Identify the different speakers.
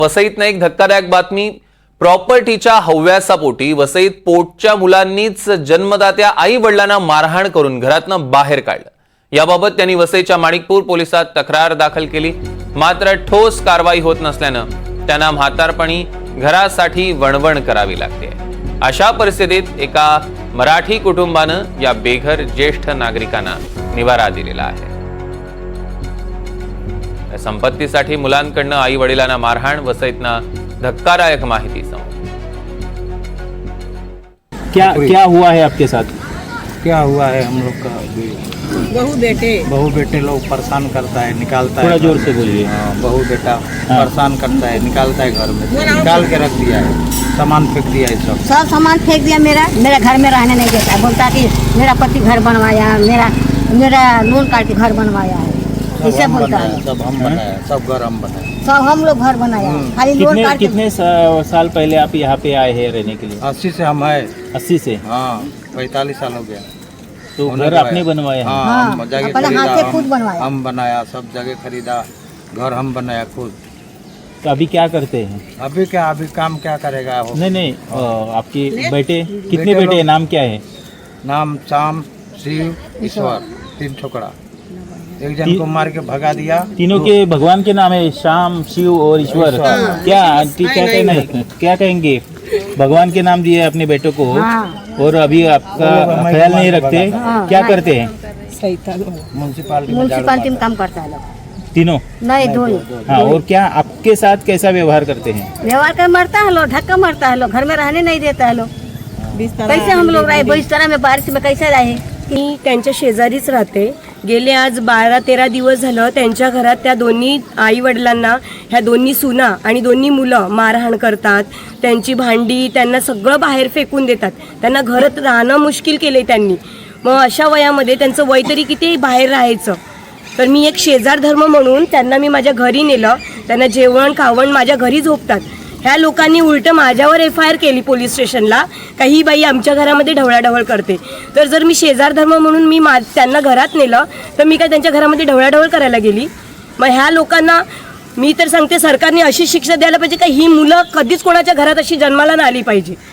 Speaker 1: वसईतनं एक धक्कादायक बातमी। प्रॉपर्टीच्या हव्यासापोटी वसईत पोटच्या मुलांनीच जन्मदात्या आई वडिलांना मारहाण करून घरातनं बाहेर काढलं। याबाबत त्यांनी वसईच्या माणिकपूर पोलिसात तक्रार दाखल केली, मात्र ठोस कारवाई होत नसल्यानं त्यांना म्हातारपणी घरासाठी वणवण करावी लागते। अशा परिस्थितीत एका मराठी कुटुंबानं या बेघर ज्येष्ठ नागरिकांना निवारा दिलेला आहे। संपत्तीसाठी मुलांकडनं आई वडिलांना मारहाण, वसईतनं धक्कादायक माहिती समोर।
Speaker 2: क्या हुआ है आपके साथ?
Speaker 3: क्या हुआ है, हम लोग का बहू बेटे लोग परेशान करता है, निकालता है।
Speaker 2: थोड़ा जोर से बोलिए।
Speaker 3: बहू बेटा परेशान करता है, निकालता है घर में, निकाल के रख दिया है, सामान फेंक दिया है, सब
Speaker 4: सामान फेंक दिया। मेरा घर में रहने नहीं देता, बोलता कि मेरा पति घर बनवाया, मेरा लोन काट के घर बनवाया है, इसे बोलता है।
Speaker 3: सब हम बनाया, सब घर हम बनाए,
Speaker 4: सब हम लोग घर बनाया, खाली लोन काट के।
Speaker 2: कितने साल पहले आप यहाँ पे आए हैं रहने के लिए?
Speaker 3: 80 से हम है।
Speaker 2: 80 से?
Speaker 3: हाँ, 45 साल हो गया।
Speaker 2: तो घर आपने बनवाया?
Speaker 4: हाँ, अपने हाथ से खुद बनवाया।
Speaker 3: हम बनाया, सब जगह खरीदा, घर हम बनाया खुद।
Speaker 2: तो अभी क्या करते हैं?
Speaker 3: अभी क्या, अभी काम क्या करेगा वो?
Speaker 2: नहीं, आपके बेटे कितने बेटे हैं, नाम क्या है?
Speaker 3: नाम शाम, शिव, ईश्वर, 3 छोकरा। एक जन को मार के भगा दिया।
Speaker 2: तीनों के भगवान के नाम है, शाम, शिव और ईश्वर। क्या आंटी क्या कहना है, क्या कहेंगे? भगवान के नाम दिए अपने बेटों को, और अभी आपका ख्याल नहीं रखते, क्या करते हैं?
Speaker 4: म्यूनसिपालिटी में काम करता है लोग
Speaker 2: तीनों?
Speaker 4: नहीं, दो।
Speaker 2: हाँ, और क्या आपके साथ कैसा व्यवहार करते हैं?
Speaker 4: व्यवहार कर मरता है लोग, धक्का मारता है लोग, घर में रहने नहीं देता है लोग। कैसे हम लोग रहे बिस्तर में, बारिश में कैसे रहे?
Speaker 5: मी त्यांच्या शेजारीच राहते। गेले आज 12-13 दिवस झालं त्यांच्या घरात त्या दोन्ही आई वडिलांना ह्या दोन्ही सुना आणि दोन्ही मुलं मारहाण करतात, त्यांची भांडी त्यांना सगळं बाहेर फेकून देतात, त्यांना घरात राहणं मुश्किल केले त्यांनी। मग अशा वयामध्ये त्यांचं वय तरी किती बाहेर राहायचं। तर मी एक शेजार धर्म म्हणून त्यांना मी माझ्या घरी नेलं, त्यांना जेवण खावण माझ्या घरी झोपतात। ह्या लोकांनी उलट माझ्यावर FIR केली पोलीस स्टेशनला, काही बाई आमच्या घरामध्ये ढवळाढवळ करते। तर जर मी शेजार धर्म म्हणून मी त्यांना घरात नेलं तर मी काय त्यांच्या घरामध्ये ढवळाढवळ करायला गेली? मग ह्या लोकांना मी तर सांगते सरकारने अशी शिक्षा द्यायला पाहिजे का ही मुलं कधीच कोणाच्या घरात अशी जन्माला नाही आली पाहिजे।